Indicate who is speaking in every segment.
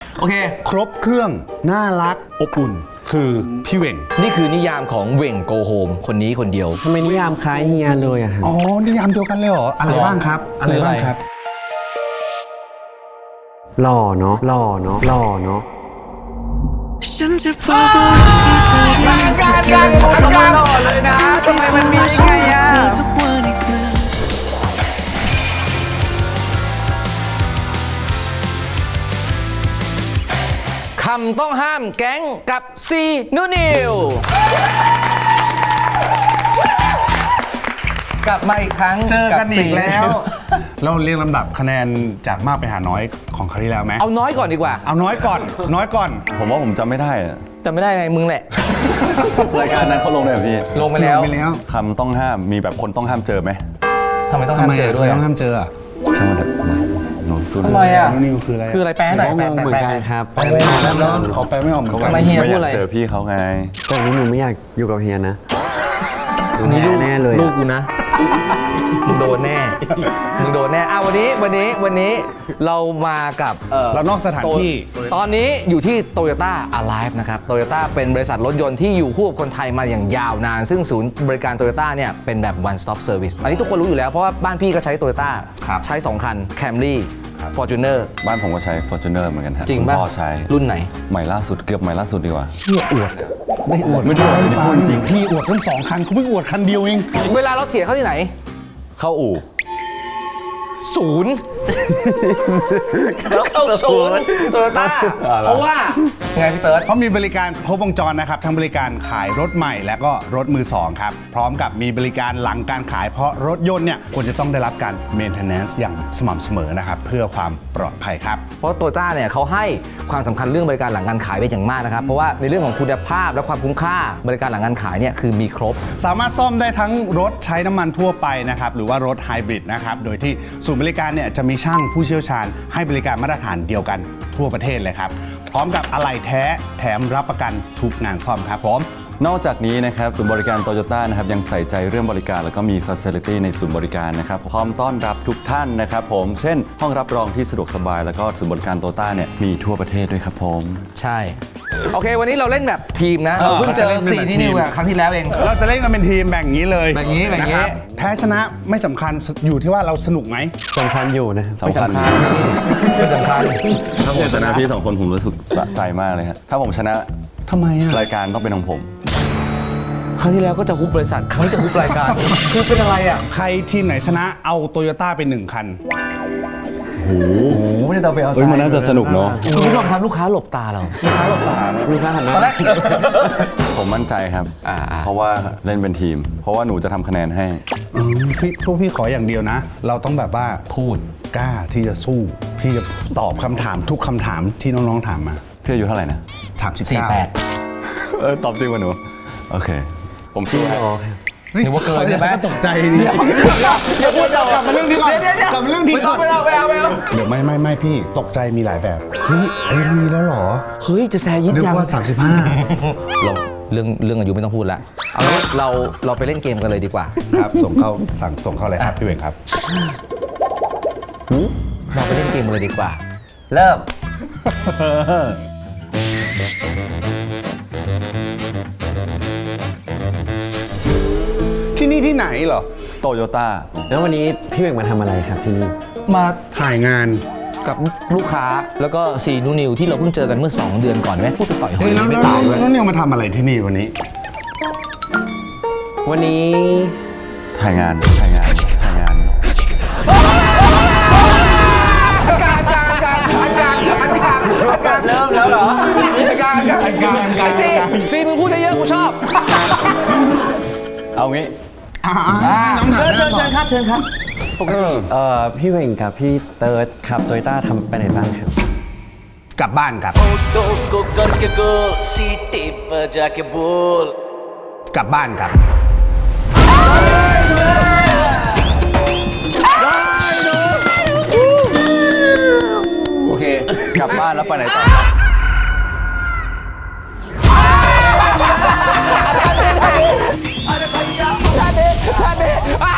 Speaker 1: โอเค
Speaker 2: ครบเครื่องน่ารักอบอุ่นคือพี่เหว่ง
Speaker 1: นี่คือนิยามของเหว่งโกโฮมคนนี้คนเดียว
Speaker 3: ทำไมนิยามคล้ายเฮียเลยอะครับ
Speaker 2: อ๋อนิยามเดียวกันเลยเหรออะไรบ้างครับอะไรบ้างครับ
Speaker 3: หล่อเนาะหล่อเนาะหล่อเนาะ
Speaker 4: ฉันจะพูดว่าการหล่อเลยนะทำไมมันมีไงอ่ะ
Speaker 1: คำต้องห้ามแก๊งกับซีนูนิวกลับมาอีกครั้ง
Speaker 2: เจอกันอีกแล้ว เราเรียงลำดับคะแนนจากมากไปหาน้อยของคราวที่แล้วไหม
Speaker 1: เอาน้อยก่อนดีกว่า
Speaker 2: เอาน้อยก่อนน้อยก่อน
Speaker 5: ผมว่าผมจำไม่ได้อะ
Speaker 1: จำไม่ได้ไงมึงแหละ
Speaker 5: รายการนั้นเขาลงเลยเหรอพี่
Speaker 1: ลงไปแล้ว
Speaker 5: คำต้องห้ามมีแบบคนต้องห้ามเจอไหม
Speaker 1: ทำไมต้องห้ามเจอด้วย
Speaker 2: ต้องห้ามเจออ่ะ
Speaker 5: ช่างมันเถอะหนูสู้
Speaker 1: ทำไมอ่ะ
Speaker 2: นิวคืออะไร
Speaker 1: คืออะไรแปลหน่อย
Speaker 3: งงเหมือนกันครับ
Speaker 2: แปลไม่ออกแล้วขอแปลไม่ออกเหมือนกัน
Speaker 1: ทำไมเฮีย
Speaker 5: ไม่
Speaker 1: พู
Speaker 5: อ
Speaker 1: ดอะไร
Speaker 5: ยากเจอพี่เขาไง
Speaker 3: แต่นี้หนูไม่อยากอยู่กับเฮียนะ
Speaker 1: นี่ลูก
Speaker 3: แน่เลย
Speaker 1: ลูกกูนะมึงโดนแน่มึงโดนแน่วันนี้เรามากับ
Speaker 2: เรานอกสถานที่
Speaker 1: ตอนนี้อยู่ที่ Toyota Alive นะครับ Toyota เป็นบริษัทรถยนต์ที่อยู่คู่กับคนไทยมาอย่างยาวนาน ซึ่งศูนย์บริการ Toyota เนี่ยเป็นแบบ one stop service อันนี้ทุกคนรู้อยู่แล้วเพราะว่าบ้านพี่ก็ใช้ Toyota ใช้ 2 คัน Camry Fortuner
Speaker 5: บ้านผมก็ใช้ Fortuner เหมือนกันฮะ
Speaker 1: จริง
Speaker 5: คุณ
Speaker 1: ป่ะ
Speaker 5: พ่อใช้
Speaker 1: รุ่นไหน
Speaker 5: ใหม่ล่าสุดเกือบใหม่ล่าสุดดีกว่า
Speaker 2: ไม่อวดไม่ได้พูดจริงพี่อวดทั้ง2 คันเขาเพิ่งอวดคันเดียวเอง
Speaker 1: เวลาเราเสียเข้าที่ไหน
Speaker 5: เข้าอู่
Speaker 1: ศูนย์แล้วเข้าศูนย์โตโยต้าเพราะว่าไงพี่เติร์ด
Speaker 2: เขามีบริการครบวงจรนะครับทั้งบริการขายรถใหม่และก็รถมือสองครับพร้อมกับมีบริการหลังการขายเพราะรถยนต์เนี่ยควรจะต้องได้รับการ maintenance อย่างสม่ำเสมอนะครับเพื่อความปลอดภัยครับ
Speaker 1: เพราะโตโยต้าเนี่ยเขาให้ความสำคัญเรื่องบริการหลังการขายเป็นอย่างมากนะครับเพราะว่าในเรื่องของคุณภาพและความคุ้มค่าบริการหลังการขายเนี่ยคือมีครบ
Speaker 2: สามารถซ่อมได้ทั้งรถใช้น้ำมันทั่วไปนะครับหรือว่ารถไฮบริดนะครับโดยที่ศูนย์บริการเนี่ยจะมีช่างผู้เชี่ยวชาญให้บริการมาตรฐานเดียวกันทั่วประเทศเลยครับพร้อมกับอะไหล่แท้แถมรับประกันทุกงานซ่อมครับผม
Speaker 5: นอกจากนี้นะครับศูนย์บริการโตโยต้านะครับยังใส่ใจเรื่องบริการแล้วก็มี Facility ในศูนย์บริการนะครับพร้อมต้อนรับทุกท่านนะครับผมเช่นห้องรับรองที่สะดวกสบายแล้วก็ศูนย์บริการโตโยต้าเนี่ยมีทั่วประเทศด้วยครับผม
Speaker 1: ใช่โอเควันนี้เราเล่นแบบทีมนะเราเพิ่งเจอ4ที่นิวครั้งที่แล้วเอง
Speaker 2: เราจะเล่นกันเป็นทีมแบ่งอย่างนี้เลย
Speaker 1: แบ่งอย่างนี้
Speaker 2: นะครับแพ้ชนะไม่สำคัญอยู่ที่ว่าเราสนุกไหม
Speaker 3: สำคัญอยู่นะครับ
Speaker 1: ไม่สำคัญไม่สำคัญ
Speaker 5: ถ้าผมชนะพี่2 คนผมรู้สึกสะใจมากเลยครับถ้าผมชนะ
Speaker 2: ทำไมอ่ะ
Speaker 5: รายการต้องเป็นของผม
Speaker 1: ครั้งที่แล้วก็จะฮุบบริษัทครั้งนี้จะฮุบรายการคือเป็นอะไรอ่ะ
Speaker 2: ใครทีมไหนชนะเอาโตโยต้าไป1 คัน
Speaker 3: ไม่ได้ต้องไปเอา
Speaker 5: เฮ้ยมันน่าจะสนุกเนาะ
Speaker 1: คุณผู้ชมครับลูกค้าหลบตาเรา
Speaker 3: ลูกค้าหันหน้า
Speaker 1: ตอนแรก
Speaker 5: ผมมั่นใจครับ เพราะว่าเล่นเป็นทีม เพราะว่าหนูจะทำคะแนนให้
Speaker 2: พี่ขออย่างเดียวนะ เราต้องแบบว่า
Speaker 1: พูด
Speaker 2: กล้าที่จะสู้ พี่จะตอบคำถามทุกคำถามที่น้องๆถามมา
Speaker 5: พี่อายุเท่าไหร่นะ
Speaker 2: 39
Speaker 5: ตอบจริงวะหนู โอเค ผมสู้ให้
Speaker 1: เดี๋ยวว่าเกินใช่ไหม
Speaker 2: ตกใจดิอย่าพูดกลับมาเรื่องนี้ก่อนกลับมาเรื่องนี้ก่อน
Speaker 1: ไม่เอา
Speaker 2: เดี๋ยวไม่พี่ตกใจมีหลายแบบเฮ้ยอายุเท่านี้แล้วเหรอ
Speaker 1: เฮ้ยจะแซยิด
Speaker 2: นึก
Speaker 1: ยัง
Speaker 2: ว่า 35
Speaker 1: เรื่องอายุไม่ต้องพูดละเอางี้เราไปเล่นเกมกันเลยดีกว่า
Speaker 2: ครับส่งเข้าเลยครับพี่เวงครับ
Speaker 1: เราไปเล่นเกมกันเลยดีกว่า
Speaker 3: เริ่ม
Speaker 2: ที่นี่ที่ไหนเหรอ
Speaker 5: โตโยต้า
Speaker 3: แล้ววันนี้พี่เบ่งมาทำอะไรครับที่นี่
Speaker 1: มา
Speaker 2: ถ่ายงาน
Speaker 1: กับลูกค้าแล้วก็ซีนูนิวที่เราเพิ่งเจอกันเมื่อ2 เดือนก่อนไหมพูดไปต่อยหอ
Speaker 2: เฮ้ย
Speaker 1: ย
Speaker 2: แล้ว
Speaker 1: ไม่
Speaker 2: แล้ว
Speaker 1: ตายด้วย
Speaker 2: แล้วนิวมาทำอะไรที่นี่วันนี้
Speaker 3: วันนี้
Speaker 5: ถ่ายงาน
Speaker 1: เริ่มแล้วเหรอ
Speaker 2: การ
Speaker 1: ซีมึงพูดเยอะๆกูชอบ
Speaker 5: เอางี้
Speaker 1: เชิญครับ
Speaker 3: พี่เบ่งกับพี่เติร์ดขับโตโยต้าทำไปไหนบ้างครับ
Speaker 2: กลับบ้านครับ
Speaker 4: तो को करके गोल सीटी बजा के बोल
Speaker 2: กลับบ้านครับ
Speaker 1: โอเค
Speaker 5: กลับบ้านแล้วไปไหนต่อ
Speaker 1: ทท่านนี้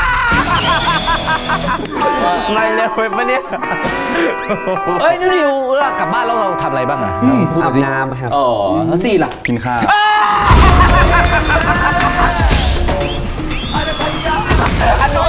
Speaker 3: ไม่เร็วไปปะเนี่ย
Speaker 1: เฮ้ยนิวกลับบ้านแล้วเราทำอะไรบ้างอะพูด
Speaker 3: อา
Speaker 1: มา
Speaker 3: บ
Speaker 1: ดิ
Speaker 3: น้ำครับ
Speaker 1: อ๋อแล้วสี่ล่ะ
Speaker 5: กินข้าว
Speaker 1: อันโน้น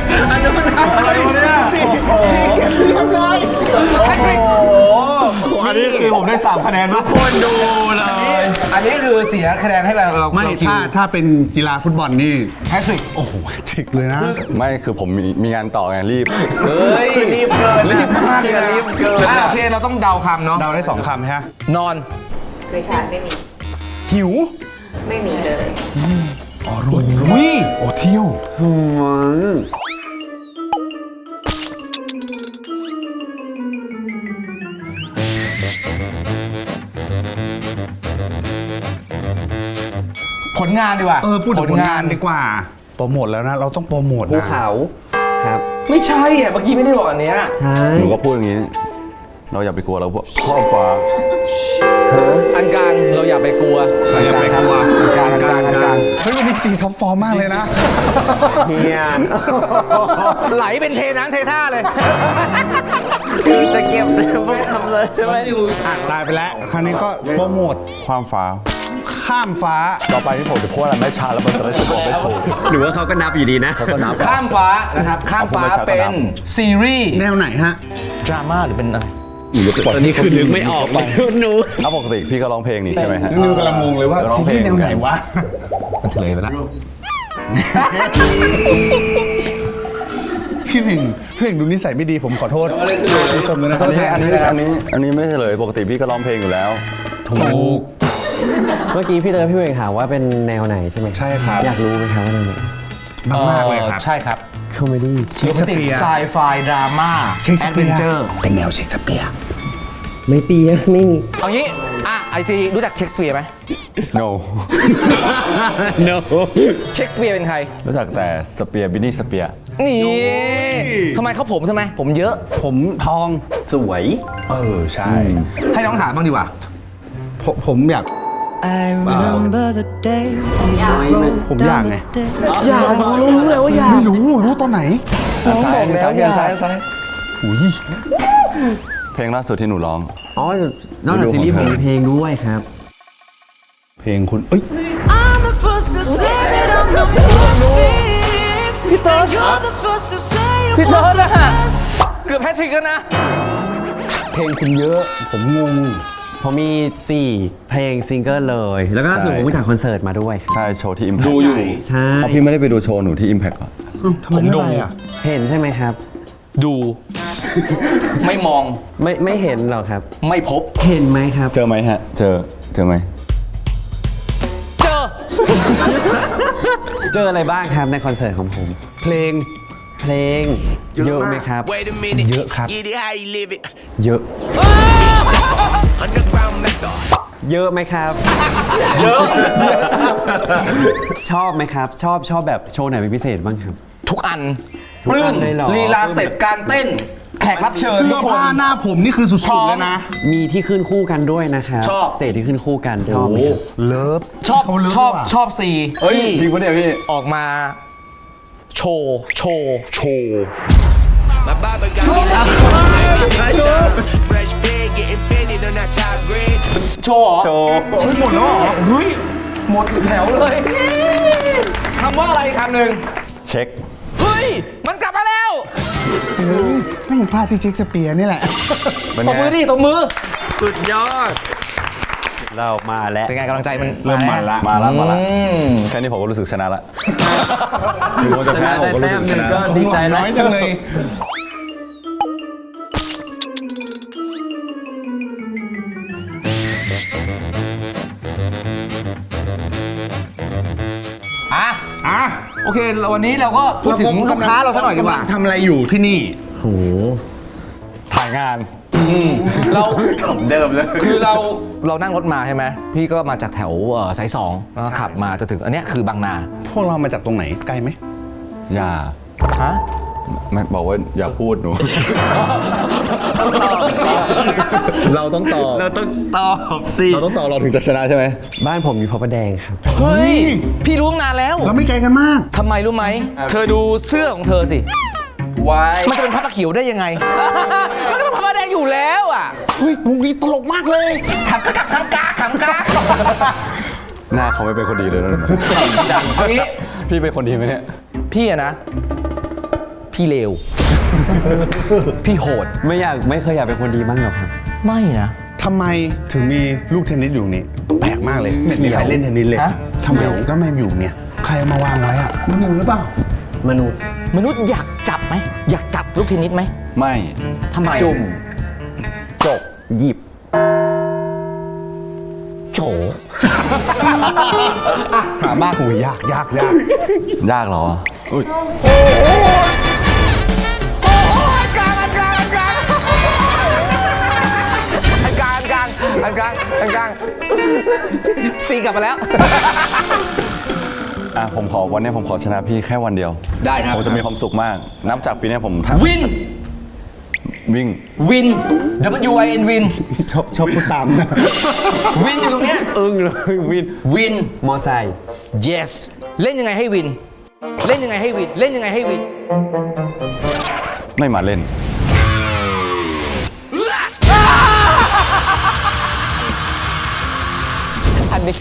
Speaker 2: สี่เก็บเรียบร้อย
Speaker 1: แฮตทริก
Speaker 2: อันนี้คือผมได้3คะแนนมากคนดูเลย
Speaker 1: อันนี้คือเสียคะแนนให้เรา
Speaker 2: ไม่
Speaker 1: เราคิว
Speaker 2: ถ้าเป็นกีฬาฟุตบอลนี่
Speaker 1: แฮตทริก
Speaker 2: โอ้โหจิกเลยนะ
Speaker 5: ไม่คือผมมีงานต่อไงรีบ
Speaker 1: เฮ้ยรีบเกินรีบมากเลยนะ
Speaker 3: รีบเกิน
Speaker 1: โอเคเราต้องเดาคำเนาะ
Speaker 2: เดาได้2คำใช่ไหม
Speaker 1: นอน
Speaker 6: เคยใช้ไม่มี
Speaker 2: หิว
Speaker 6: ไม่มีเลย
Speaker 2: อ๋อรวยโอ้เที่ยว
Speaker 1: ผลงานดีกว่า
Speaker 2: พูดถึงผลงานดีกว่า โปรโมทแล้วนะ เราต้องโปรโมท
Speaker 3: ภู
Speaker 2: นะ
Speaker 3: เขาครับ
Speaker 1: ไม่ใช่อ่ะเมื่อกี้ไม่ได้บอกอันเนี้ย
Speaker 3: ใช่
Speaker 5: หนูก็พูดอย่างนี้ เราอย่าไปกลัวเราพวกข้อฟ้า
Speaker 1: อันกลางเราอย่าไปกลัว
Speaker 2: อย่าไปกลัว
Speaker 1: อันกลางอันกลางอันกลาง
Speaker 2: เฮ้ยวันนี้4ท็อปฟอร์มมากเลยนะ
Speaker 3: เฮีย
Speaker 1: ไหลเป็นเทน้ำเทท่าเลย
Speaker 3: จะเก็บพวกทำเลยใช่ไหม
Speaker 2: ตายไปแล้ว ครั้งนี้ก็โปรโมท
Speaker 5: ความฟ้า
Speaker 2: ข้ามฟ้า
Speaker 5: ต่อไปที่ผมจะพูดอะไรไม่ช้าแล้วมันจะได้สะกดไม่ถูก
Speaker 3: หรือว่าเขาก็นับอยู่ดีนะ
Speaker 5: เขาก็นับ
Speaker 1: ข้ามฟ้านะครับ ข้ามฟ้า
Speaker 5: เอาผมไปใช้ก็
Speaker 1: เป็
Speaker 5: นั
Speaker 1: น
Speaker 5: บ
Speaker 1: ซีรีส์
Speaker 2: แนวไหนฮะ
Speaker 1: ดราม่าหรือเป็นอะไร
Speaker 3: ตอนนี้คือนึกไม่ออกเลยหนู
Speaker 5: ถ้าปกติพี่ก็ร้องเพลงนี่ใช่ไหมฮะ
Speaker 2: นิวกำลังงงเลยว่า
Speaker 5: ร้องเพล
Speaker 2: ที่
Speaker 5: ง
Speaker 2: แนวไหนวะ
Speaker 1: มันเฉลยไปแล้ว
Speaker 2: พี่เพ่งดูนิสัยไม่ดีผมขอโทษผู้ชมด้วยนะ
Speaker 5: อันนี้ไม่ใช่เลยปกติพี่ก็ร้องเพลงอยู่แล้ว
Speaker 2: ถูก
Speaker 3: เมื่อกี้พี่เตอร์พี่เวงถามว่าเป็นแนวไหนใช่ไหม
Speaker 2: ใช่ครับ
Speaker 3: อยากรู้ไหมครับว่าแนวไหน
Speaker 2: มากๆเลยครับ
Speaker 1: ใช่ครับ
Speaker 3: คอมเมดี้
Speaker 2: เชคสเปียร์
Speaker 1: ไซไฟดราม่า
Speaker 2: เชคส
Speaker 1: แอด
Speaker 2: เปี
Speaker 1: เวน
Speaker 2: ย
Speaker 1: เจอ
Speaker 2: ร์
Speaker 1: ร์
Speaker 2: เป็นแนวเชคสเปียร์
Speaker 3: ไม่เปียไม่มี
Speaker 1: เอางี้ไอซีรู้จักเชคสเปียร์ไหม
Speaker 5: no
Speaker 3: no
Speaker 1: เชคสเปียร์เป็นใคร
Speaker 5: รู้จักแต่สเปียร์บินนี่สเปียร์
Speaker 1: นี่ทำไมเขาผมทำไม ผมเยอะ
Speaker 2: ผมทอง
Speaker 3: สวย
Speaker 2: ใช่
Speaker 1: ให้น้องถามบ้างดีกว่า
Speaker 2: ผมอยาก
Speaker 4: I remember the day we
Speaker 2: ผมอยากไง
Speaker 1: อยากรู้เลยว่าอยาก
Speaker 2: ไม่รู้ตอนไหน
Speaker 5: ซ้ายซ้ายซ้ายซ้าย
Speaker 2: อุ้ย
Speaker 5: เพลงล่าสุดที่หนูร้อง
Speaker 3: อ๋อนอกจากซีรีส์ผมมีเพลงด้วยครับ
Speaker 2: เพลงคุณ เอ้ย
Speaker 4: I'm the first to say that I'm not perfect. And you're the first to say
Speaker 1: พี่
Speaker 4: I'm
Speaker 1: เติร์ด
Speaker 4: not
Speaker 1: อะ
Speaker 4: the best.
Speaker 1: เกือบแพทริกแล้วนะ
Speaker 2: เพลงคุณเยอะ ผมงง
Speaker 3: ผมมี 4 เพลงซิงเกิลเลย แล้วก็ล่าสุดผมไปถ่ายคอนเสิร์ตมาด้วย
Speaker 5: ใช่โชว์ที่ Impact
Speaker 1: ดูอยู่
Speaker 3: ใช่
Speaker 5: เอาพี่ไม่ได้ไปดูโชว์หนูที่ Impact เหรอ
Speaker 2: ทำไมไม่ไปอ่ะ
Speaker 3: เห็นใช่ไหมครับ
Speaker 1: ดู ไม่มอง
Speaker 3: ไม่เห็นหรอกครับ
Speaker 1: ไม่พบ
Speaker 3: เห็นไหมครับ
Speaker 5: เจอไหมฮะ เจอไหม
Speaker 1: เจอ
Speaker 3: เจออะไรบ้างครับในคอนเสิร์ตของผม
Speaker 2: เพลง
Speaker 3: เพลงเยอะไหมครับ
Speaker 4: Wait a minute.
Speaker 2: เยอะครับ
Speaker 4: Get it how you live it.
Speaker 3: เยอะ
Speaker 4: Underground method.
Speaker 3: เยอะไหมครับ
Speaker 1: เยอะ
Speaker 3: ชอบไหมครับ ชอบแบบโชว์ไหนเป็นพิเศษบ้างครับ
Speaker 1: ทุกอัน
Speaker 3: ทุกอันเลยเหรอ
Speaker 1: ลีลาสเต็ปการเต้น แขกรับเชิญ
Speaker 2: เสื้
Speaker 1: ทุ
Speaker 2: อก
Speaker 1: คน
Speaker 2: ผ้าหน้าผมนี่คือสุ
Speaker 1: พร้
Speaker 2: ด
Speaker 1: อ
Speaker 2: ๆ
Speaker 1: ม
Speaker 2: เลยนะ
Speaker 3: มีที่ขึ้นคู่กันด้วยนะครับ
Speaker 1: ชอบ
Speaker 3: สเตจที่ขึ้นคู่กันชอบไหมครับ
Speaker 2: เลิฟ
Speaker 1: ชอบ
Speaker 2: เขาเลิฟ
Speaker 1: ชอบ
Speaker 2: ดีกว่า
Speaker 1: ชอบซี
Speaker 5: เฮ้ย
Speaker 1: ที่
Speaker 5: จริงปะเนี่ยพี่
Speaker 1: ออกมาโชว์
Speaker 4: My barber got me like fresh pig getting painted on that top grade.
Speaker 1: โชว์เหรอ
Speaker 5: โชว์
Speaker 2: ใช้หมดแล้วเหรอ
Speaker 1: เฮ้ย หมดแถวเลยคำว่าอะไรคำหนึ่ง
Speaker 5: เช็ค
Speaker 1: เฮ้ย มันกลับมาแล้ว
Speaker 2: เฮ้ยไม่ยังพลาดที่เช็คสเปียร์นี่แหละ
Speaker 5: เป็น
Speaker 1: ตบ
Speaker 5: ไง
Speaker 1: มือดิตบมือ
Speaker 3: สุดยอด เรามาแล้ว
Speaker 1: เป็นไงกำลังใจมัน
Speaker 2: เริ่มมันละ
Speaker 5: มาละ
Speaker 1: อืม
Speaker 5: แค่นี้ผมก็รู้สึกชนะละถึงว่าจะแพ้ผมก็รู้สึกชนะ
Speaker 3: ก็ดีใจแล้ว
Speaker 2: น้อยจังเลย
Speaker 1: อ่ะโอเควันนี้เราก็พูดถึงลูกค้าเราสักหน่อยดีกว่า
Speaker 2: ทำอะไรอยู่ที่นี่
Speaker 3: โห
Speaker 5: ถ่ายงาน
Speaker 1: เรา
Speaker 3: ผมเดิมเลย
Speaker 1: คือเรานั่งรถมาใช่ไหมพี่ก็มาจากแถวสาย2แล้วก็ขับมาจนถึงอันเนี้ยคือบางนา
Speaker 2: พวกเรามาจากตรงไหนไกลไหม
Speaker 5: อย่า
Speaker 1: ฮะ
Speaker 5: ไม่บอกว่าอย่าพูดหนู เราต้องตอบ
Speaker 3: เราต้องตอบสิ
Speaker 5: เราต้องตอบเราถึงจะชนะใช่ไหม
Speaker 3: บ้านผมอยู่พระประแดงครับ
Speaker 1: เฮ้ย พี่รู้ตั้งนานแล้ว
Speaker 2: เราไม่ไกลกันมาก
Speaker 1: ทำไมรู้ไหม เธอดูเสื้อของเธอสิ
Speaker 3: วาย
Speaker 1: มันจะเป็นผ้าเขียวได้ยังไง มันก็ต้องผ้าแดงอยู่แล้วอ่ะ
Speaker 2: เฮ้ยมุกนี้ตลกมากเลย
Speaker 1: ขำกา
Speaker 5: หน้าเขาไม่เป็นคนดีเลยนะ
Speaker 1: อันนี้
Speaker 5: พี่เป็นคนดีไหมเนี่ย
Speaker 1: พี่อะนะ พี่เลว พี่โหด
Speaker 3: ไม่เคยอยากเป็นคนดีบ้างหรอกครับ
Speaker 1: ไม่นะ
Speaker 2: ทำไมถึงมีลูกเทนนิสอยู่ตรงนี้ แปลกมากเลย ไม่มีใครเล่นเทนนิสเลย
Speaker 1: ฮะ
Speaker 2: ทำไมแล้วไม่อยู่เนี่ย ใครเอามาวางไว้อะมนุษย์หรือเปล่า
Speaker 3: มนุษย์
Speaker 1: มนุษย์อยากจับไหม อยากจับลูกเทนนิสไหม
Speaker 5: ไม่
Speaker 1: ทำไม
Speaker 3: จุ่ม จบ หยิบ
Speaker 1: โจ
Speaker 2: ถามมากหูยาก
Speaker 5: ยากเหรออุ้ย
Speaker 1: อันกลางซีกลับมาแล้ว
Speaker 5: อ่ะผมขอวันนี้ผมขอชนะพี่แค่วันเดียว
Speaker 1: ได้ครับ
Speaker 5: ผมจะมีความสุขมาก นับจากปีนี้ผมทำ
Speaker 1: วิน
Speaker 5: วิ่ง
Speaker 1: วิน WIN วิน
Speaker 2: ชอบพูดตามนะ
Speaker 1: วินอยู่ตรงเนี้ย
Speaker 3: อึ้งเลยวิน
Speaker 1: วิน
Speaker 3: มอไซค์
Speaker 1: yes เล่นยังไงให้วิน เล่นยังไงให้วิน เล่นยังไงให้วิน
Speaker 5: ไม่มาเล่น
Speaker 1: อันนี้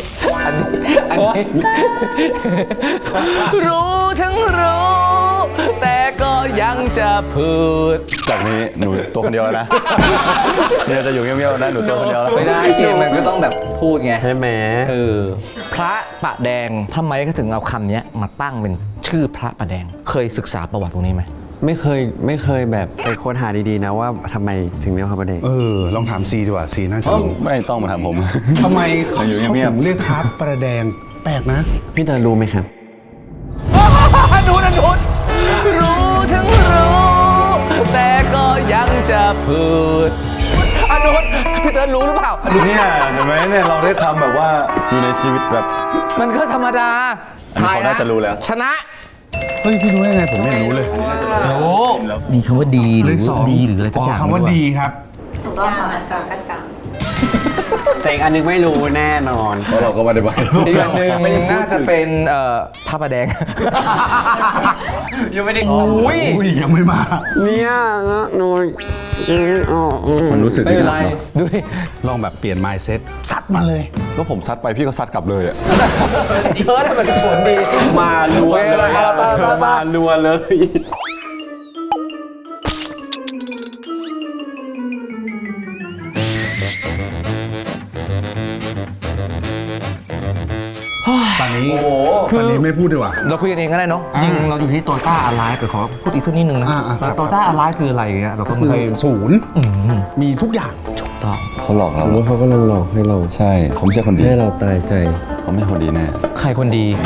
Speaker 1: รู้ทั้งรู้ แต่ก็ยังจะพูด
Speaker 5: จากนี้หนูตัวคนเดียวแล้วนะ เนี่ยจะอยู่เงียบๆนะหนูตัวคนเดียวแล้ว
Speaker 1: ไม่ได้เกมมันก็ต้องแบบพูดไง
Speaker 3: ใช่ไหม
Speaker 1: พระปะแดงทำไมเขาถึงเอาคำนี้มาตั้งเป็นชื่อพระปะแดง เคยศึกษาประวัติตรงนี้ไหม
Speaker 3: ไม่เคยแบบไปค้นหาดีๆนะว่าทำไมถึงเรียกพระประแดง
Speaker 2: ลองถามซีดีกว่าซีน่าจะรู้
Speaker 5: ไม่ต้องมาถามผม
Speaker 2: ทำไมเขา
Speaker 5: อยู่
Speaker 2: ถึ
Speaker 5: เงียบๆ
Speaker 2: งเรียกครับประแดง แปลกนะ
Speaker 3: พี่เตอรู้ไหมครับ
Speaker 1: ดูนะดูรู้ทั้งรู้ แต่ก็ยังจะพูดอนุนพี่เติร์ดรู้หรือเปล่า
Speaker 5: เนี่ยเห็นไหมเนี่ยเราได้คำแบบว่าอยู่ในชีวิตแบบ
Speaker 1: มันก็ธรรมดา
Speaker 5: อันนี้เขาน่าจะรู้แล้ว
Speaker 1: ชนะ
Speaker 2: เฮ้ย พี่รู้ได้ไงผมไม่รู้เลย
Speaker 1: รู้มีคำว่าดีห
Speaker 2: เล
Speaker 1: รือ
Speaker 2: ขสอง
Speaker 1: ดีหรืออะไรสักอย่าง
Speaker 2: คำว่าดีครับ
Speaker 6: ถูกต้องค่ะอันกลางอันกลาง
Speaker 3: แต่อีกอันนึงไม่รู้แน่นอน
Speaker 5: เพราะเราก็ไม่ได้ไป
Speaker 1: อีกอันหนึ่งน่าจะเป็นพระประแดง
Speaker 3: ยังไม่ได้
Speaker 1: อุ้ย
Speaker 2: อุ้ยยังไม่มา
Speaker 3: เนี่ยหนู
Speaker 5: มันรู้สึก
Speaker 1: ไม่เป็นไร
Speaker 5: ดีะ
Speaker 1: ดูดิ
Speaker 2: ลองแบบเปลี่ยน mindset ซัดมาเลย
Speaker 5: ก็ผมซัดไปพี่ก็ซัดกลับเลยอ่ะ
Speaker 1: เพิร์ดมันสวนดี
Speaker 3: มาลัวเลย มาลัวเลย
Speaker 2: ตอนนี้ไม่พูดดีกว่า
Speaker 1: เราคุยกันเองก็ได้เนาะจริงเราอยู่ที่โตต้าอ l i v e ไปขอพูดอีกสักนิดนึงนะ
Speaker 2: ครับ
Speaker 1: โตต้าอ l i v e คืออะไรอย่างเงี้ยเราก็ไม่
Speaker 2: คือ
Speaker 1: เคย
Speaker 2: ศูนย์มีทุกอย่าง
Speaker 1: ถูกต้อง
Speaker 5: เขาหลอกเรา
Speaker 3: ว่าเขากำลังหลอกให้เรา
Speaker 5: ใช่เขาไม่ใช่คนดี
Speaker 3: ให้เราตายใจ
Speaker 5: เขาไม่ใช่คนดีแน่
Speaker 1: ใครคนดี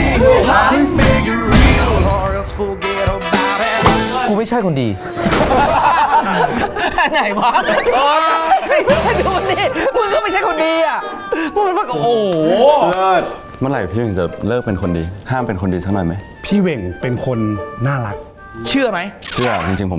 Speaker 1: กูไม่ใช่คนดีไหนวะดูมันดิมึงก็ไม่ใช่คนดีอ่ะมึงมันโอ้โห
Speaker 5: เมื่อไหร่พี่ถึงจะเลิกเป็นคนดี ห้ามเป็นคนดีสักหน่อยไหม
Speaker 2: พี่เหว่งเป็นคนน่ารัก
Speaker 1: เชื่อไหม
Speaker 5: เชื่อจริงๆผม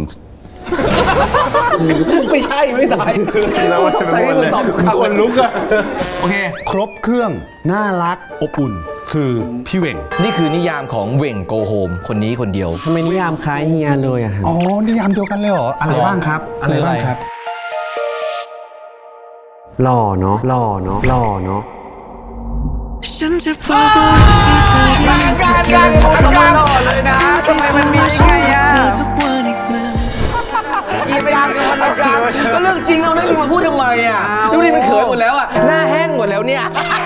Speaker 1: ไม่ใช่ไม่ตายกูตกใจที่มึงตอบคำ
Speaker 2: คนลุกอะ
Speaker 1: โอเค
Speaker 2: ครบเครื่องน่ารักอบอุ่น คือพี่เหว่ง
Speaker 1: นี่คือนิยามของเหว่งโกโฮมคนนี้คนเดียว
Speaker 3: ทำไมนิยามคล้ายเฮียเลยอะฮะ
Speaker 2: อ๋อนิยามเดียวกันเลยเหรอ อะไรบ้างครับ อะไรบ้างครับ
Speaker 3: หล่อเนาะหล่อเนาะหล่อเนาะ
Speaker 4: ฉันจะพูดว่าเธอได้สักวันหล่อเลยนะทำไมมันมีได้ไงอะเธอทุกวันอีกเมื่อ
Speaker 1: อีกอย่างก็เรื่องจริงเอาเรื่องจริงมาพูดทำไมอ่ะดูดิมันเขินหมดแล้วอ่ะหน้าแห้งหมดแล้วเนี่ย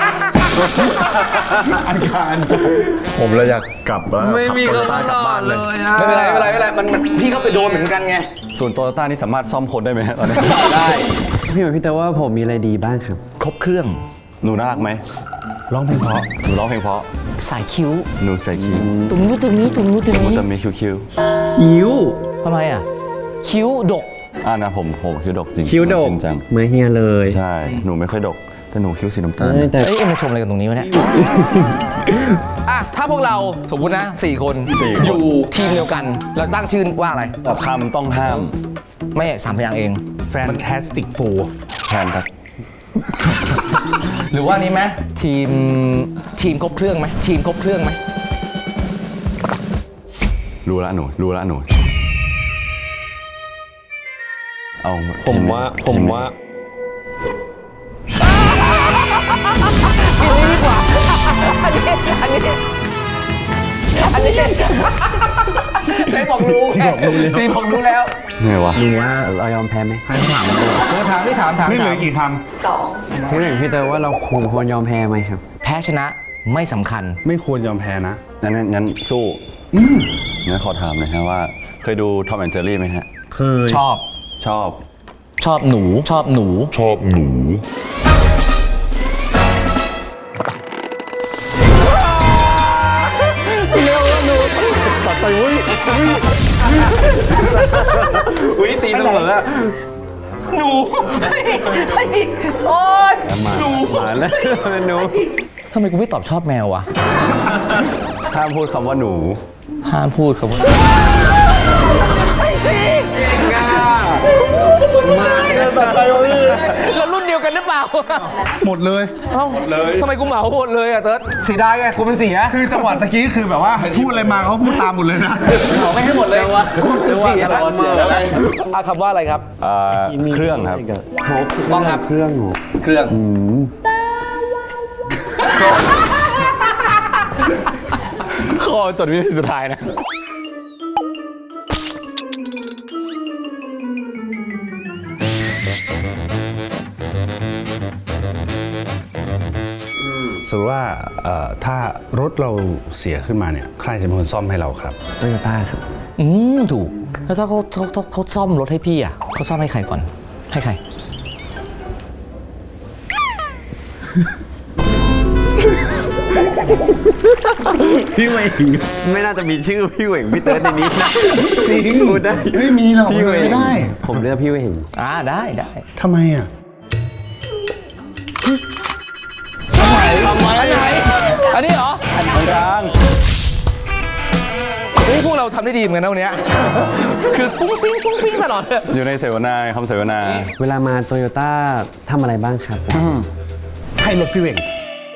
Speaker 2: อันการ
Speaker 5: ผมเลยอยากกลับแล้ว
Speaker 3: ไม่มี
Speaker 5: ขับ
Speaker 3: คำ
Speaker 5: โตโยต้ากลับ
Speaker 3: หล่อ
Speaker 5: บ้าน
Speaker 3: เล
Speaker 5: เลย
Speaker 3: ยอะ
Speaker 1: ไม่เป็นไรมันพี่เขาไปโดนเหมือนกันไง
Speaker 5: ส่วนโตโยต้านี่สามารถซ่อมคนได้ไหมฮะตอนนี้
Speaker 1: ได้
Speaker 3: พี่เหมือนพี่เตอว่าผมมีอะไรดีบ้างครับ
Speaker 1: ครบเครื่อง
Speaker 5: หนูน่ารักไหม
Speaker 2: ร้องเพลงเพราะ
Speaker 5: หนูร้องเพลงเพราะ
Speaker 1: สายคิ้ว
Speaker 5: หนูใส่คิ้ว
Speaker 1: ตรงนู้นตรงนี้ตรงนู้นตรง
Speaker 5: หนู
Speaker 1: นี้
Speaker 5: จะมีคิ้ว
Speaker 3: อิ้ว
Speaker 1: ทำไมอ่ะคิ้วดก
Speaker 5: นะผมคิ้วดกจริง
Speaker 3: คิ้วดก
Speaker 5: จริงจัง
Speaker 3: เหมือนเฮียเลย
Speaker 5: ใช่หนูไม่ค่อยดกแต่หนูคิ้วสีน้ำตาล
Speaker 3: แต่
Speaker 1: เอ้ยมันชมอะไรกันตรงนี้วะเนี่ยอ่ะถ้าพวกเราสมมตินะ4 คน
Speaker 5: 4 คน
Speaker 1: อยู่ทีมเดียวกันแล้วตั้งชื่อว่าอะไร
Speaker 5: คำต้องห้าม
Speaker 1: ไม่3 พยางค์เอง
Speaker 2: Fantastic Four
Speaker 5: แทนทัก
Speaker 1: หรือว่านี้ไหมทีมครบเครื่องไหมทีมครบเครื่องไหม
Speaker 5: รู้ละหนูเอา
Speaker 3: ผมว่า
Speaker 1: ทีมนี้ดีกว่าอันนี้ได้บอกรู้ซีบอกรู้แล้ว
Speaker 5: ไงวะ
Speaker 3: รู้ว่าเรายอมแพ้ไหม
Speaker 2: ให้ถามมาเลย
Speaker 1: ถาม
Speaker 2: นี่เหลือกี่ค
Speaker 6: 2
Speaker 3: พี่เหว่งพี่เตอร์ว่าเราควรยอมแพ้ไหมครับ
Speaker 1: แพ้ชนะไม่สำคัญ
Speaker 2: ำไม่ควรยอมแพ้นะ
Speaker 5: งั้นสู้งั้นขอถามหนะฮะว่า เคยดูทอมแอนด์เจอรี่ไหมฮะ
Speaker 2: เคย
Speaker 1: ชอบ
Speaker 5: ชอบ
Speaker 1: หนูสัตว์ใจวุ้ย
Speaker 3: อุ้ยตีเสมออะ
Speaker 1: หนูโอ๊ย
Speaker 3: มาแล้วหนู
Speaker 1: ทำไมกูไม่ตอบชอบแมววะ
Speaker 5: ห้ามพูดคำว่าหนู
Speaker 1: ห้ามพูดคำว่าแล้วรุ่นเดียวกันหรือเปล่า
Speaker 2: หมดเลย
Speaker 1: เอ้าทำไมกูเหมาหมดเลยอ่ะเติร์ดเสียดายไงกูเป็นเสีย
Speaker 2: คือจังหวะตะกี้คือแบบว่าพูดอะไรมาเขาพูดตามหมดเลยนะ
Speaker 1: เหมาไม่ให้หมดเลยกูเป็นเสียแล้วเอาคำว่าอะไรครับ
Speaker 5: เครื่องครับ
Speaker 1: ต้องครับ
Speaker 3: เครื่องหนู
Speaker 1: เครื่องข้อจดวิธีสุดท้ายนะ
Speaker 2: สมมติว่าถ้ารถเราเสียขึ้นมาเนี่ยใครจะเป็นคนซ่อมให้เราครับ
Speaker 3: โตโยต้าครับ
Speaker 1: ถูก แล้วถ้าเขาซ่อมรถให้พี่อ่ะเขาซ่อมให้ใครก่อน ให้ใคร
Speaker 3: พี่เหว่งไม่น่าจะมีชื่อพี่เหว่งพี่เตอร์ในนี้นะ
Speaker 2: จริง
Speaker 3: พูดได้
Speaker 2: ไม่มีหรอก
Speaker 3: พี่เหว่ง
Speaker 2: ไม่ได้
Speaker 3: ผมเลือกพี่เหว่ง
Speaker 1: ได้
Speaker 2: ทำไมอ่ะ
Speaker 1: อันไหนอันนี้เหรอ
Speaker 5: อันกลาง
Speaker 1: เฮ้ยพวกเราทำได้ดีเหมือนกันนะวันเนี้ยคือปุ้งปิ้งตลอดเลย
Speaker 5: อยู่ในเสวนาคำเสวนา
Speaker 3: เวลามาโตโยต้าทำอะไรบ้างครับ
Speaker 2: ให้รถพี่เวง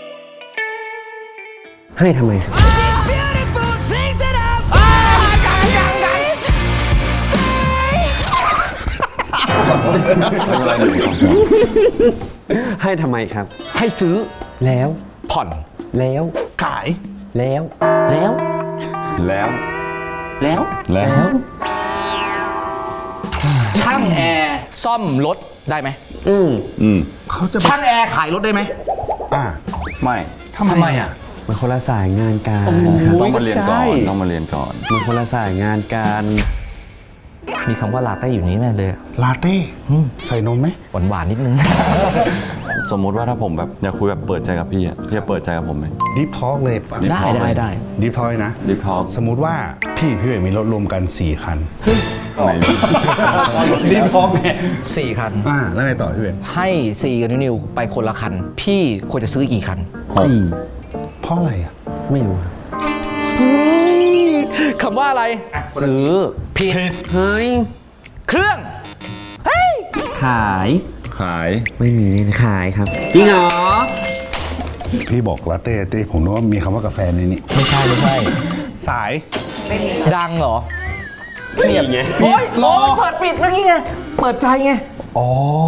Speaker 3: ให้ทำไมครับ
Speaker 4: Beautiful things that I've always stay
Speaker 3: ให้ทำไมครับ
Speaker 1: ให้ซื้อ
Speaker 3: แล้ว
Speaker 1: ผ่อน
Speaker 3: แล้ว
Speaker 2: ขาย
Speaker 3: แล้ว
Speaker 1: แล้ว
Speaker 5: แล้ว
Speaker 1: แล้ว
Speaker 5: แล้ว
Speaker 1: ช่างแอร์ซ่อมรถได้ไหม
Speaker 2: เขาจะ
Speaker 1: ช่างแอร์ขายรถได้ไหม
Speaker 2: อ่า
Speaker 5: ไม่
Speaker 2: ทำไมอ่ะ
Speaker 3: มันคนละสายงานกันครับ
Speaker 5: ต้องมาเรียนก่อน
Speaker 1: ใช่
Speaker 5: ต้องมาเรียนก่อน
Speaker 3: มันคนละสายงานกัน
Speaker 1: มีคำว่าลาเต้อยู่นี้แม่เลย
Speaker 2: ลาเต้ใส่นมไหม
Speaker 1: หวานนิดนึง
Speaker 5: สมมุติว่าถ้าผมแบบอยากคุยแบบเปิดใจกับพี่อะพี่จะเปิดใจกับผมไหม
Speaker 2: ดิฟทอล์กเลยปะ
Speaker 5: Deep
Speaker 1: ได้
Speaker 5: Talk
Speaker 1: ได้
Speaker 2: ดิฟทอล์กนะ
Speaker 5: Deep Talk
Speaker 2: สมมุติว่าพี่เวงมีรถรวมกัน 4 คัน
Speaker 5: ไหน
Speaker 2: ดิฟทอล์กเนี่ย
Speaker 1: 4 คัน
Speaker 2: แล้วไงต่อพี่เวง
Speaker 1: ให้ซีกับนิวไปคนละคัน พี่ควรจะซื้อกี่คัน
Speaker 2: เพราะอะไรอ่ะ
Speaker 3: ไม่รู้ครับ
Speaker 1: คำว่าอะไร
Speaker 3: ซื้อ
Speaker 1: ผิด
Speaker 3: เฮ้ย
Speaker 1: เครื่อง
Speaker 3: ขาย
Speaker 5: ขาย
Speaker 3: ไม่มีเลยขายครับ จริงเหรอ
Speaker 2: พี่บอกลาเต้เต้ผมนึกว่ามีคำว่ากาแฟในนี้
Speaker 1: ไม่ใช่
Speaker 2: สาย
Speaker 1: ดังเหรอ
Speaker 3: เงียบไง
Speaker 1: โอ๊ยรอเปิดปิดเมื่อกี้ไง เปิดใจไง
Speaker 2: อ๋อ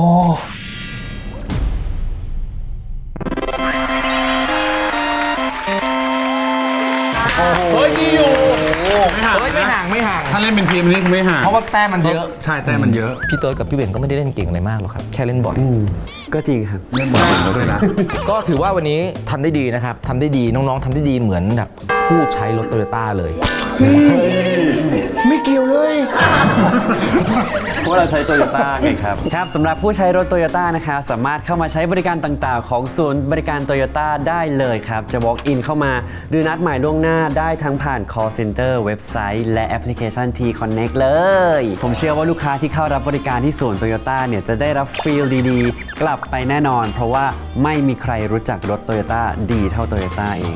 Speaker 1: เฮ้ยดีอยู่ไม่ห่าง
Speaker 2: ถ้าเล่นเป็นทีมนี้ไม่ห่าง
Speaker 1: เพราะว่าแต้มมันเยอะ
Speaker 2: ใช่แต่มันเยอะ
Speaker 1: พี่เติร์ดกับพี่เบนก็ไม่ได้เล่นเก่งอะไรมากหรอกครับ แค่เล่นบ่อย
Speaker 3: ก็จริงครับ
Speaker 2: เล่นบอลด้วยนะ
Speaker 1: ก็ถือว่าวันนี้ทำได้ดีนะครับทำได้ดีน้องๆทำได้ดีเหมือนแบบผู้ใช้รถโตโยต้าเลย
Speaker 2: ไม่เกี่ยวเลย
Speaker 3: เพราะเราใช้โตโยต้าไงครับครับสำหรับผู้ใช้รถโตโยต้านะคะสามารถเข้ามาใช้บริการต่างๆ ของศูนย์บริการโตโยต้าได้เลยครับ จะ walk in เข้ามาหรือนัดหมายล่วงหน้าได้ทั้งผ่าน call center เว็บไซต์และแอปพลิเคชัน T Connect เลย ผมเชื่อว่าลูกค้าที่เข้ารับบริการที่ศูนย์โตโยต้าเนี่ยจะได้รับฟีลดีๆ กลับไปแน่นอน เพราะว่าไม่มีใครรู้จักรถโตโยต้าดีเท่าโตโยต้าเอง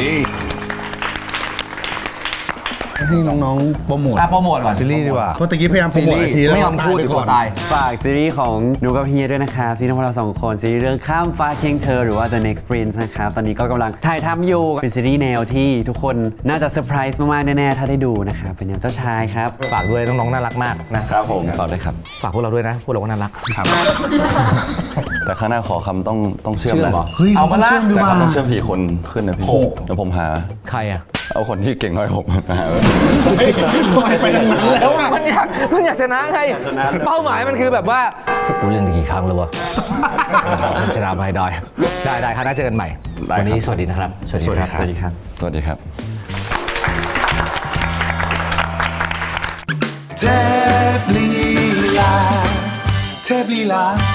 Speaker 2: ให้น้องๆโปรโมท
Speaker 1: โปรโมทก่อน
Speaker 2: ซีรีส์ดีกว่าเพราะตะกี้พยายามโปรโมททีแล้ว
Speaker 1: ไม่ยอมพูด
Speaker 2: ไป
Speaker 1: ก
Speaker 2: ก่
Speaker 1: ลั
Speaker 2: อ
Speaker 1: วน ตาย
Speaker 3: ฝากซีรีส์ของหนูกับเฮียด้วยนะครับซีรีส์ของเราสองคนซีรีส์เรื่องข้ามฟ้าเคียงเธอหรือว่า The Next Prince นะครับตอนนี้ก็กำลังถ่ายทำอยู่เป็นซีรีส์แนวที่ทุกคนน่าจะเซอร์ไพรส์มากๆแน่ๆถ้าได้ดูนะครับเป็นแนวเจ้าชายครับ
Speaker 1: ฝากด้วยน้องๆน่ารักมากนะครับ
Speaker 5: ผมฝากด้วยครับ
Speaker 1: ฝากพวกเราด้วยนะพวกเราก็น่ารัก
Speaker 5: แต่ข้างหน้าขอคำต้องเชื่อม
Speaker 1: เชื่อม
Speaker 5: นะ
Speaker 1: เหรอ
Speaker 2: เฮ้ย
Speaker 1: เอามาละ
Speaker 2: เชื่อมดี
Speaker 5: แต่
Speaker 2: กว่า
Speaker 5: คำต้องเชื่อมผีคนขึ้นนะพี่
Speaker 2: โอ้
Speaker 5: เดี๋ยวผมหา
Speaker 1: ใครอ่ะ
Speaker 5: เอาคนที่เก่งน้อยผมมาหา
Speaker 2: ทำไมไปทางนั้นแล้วอ่ะ
Speaker 1: มันอยากชนะไงเป้าหมายมันคือแบบว่ากูเล่นไปกี่ครั้งแล้ววะมันชนะไม่ได้ได้คณะเจอกันใหม่ วันนี้สวัสดีนะครับ สวัสดีครับ
Speaker 3: สวัสดีครับ
Speaker 5: สวัสดีครับ
Speaker 4: เทพลีลา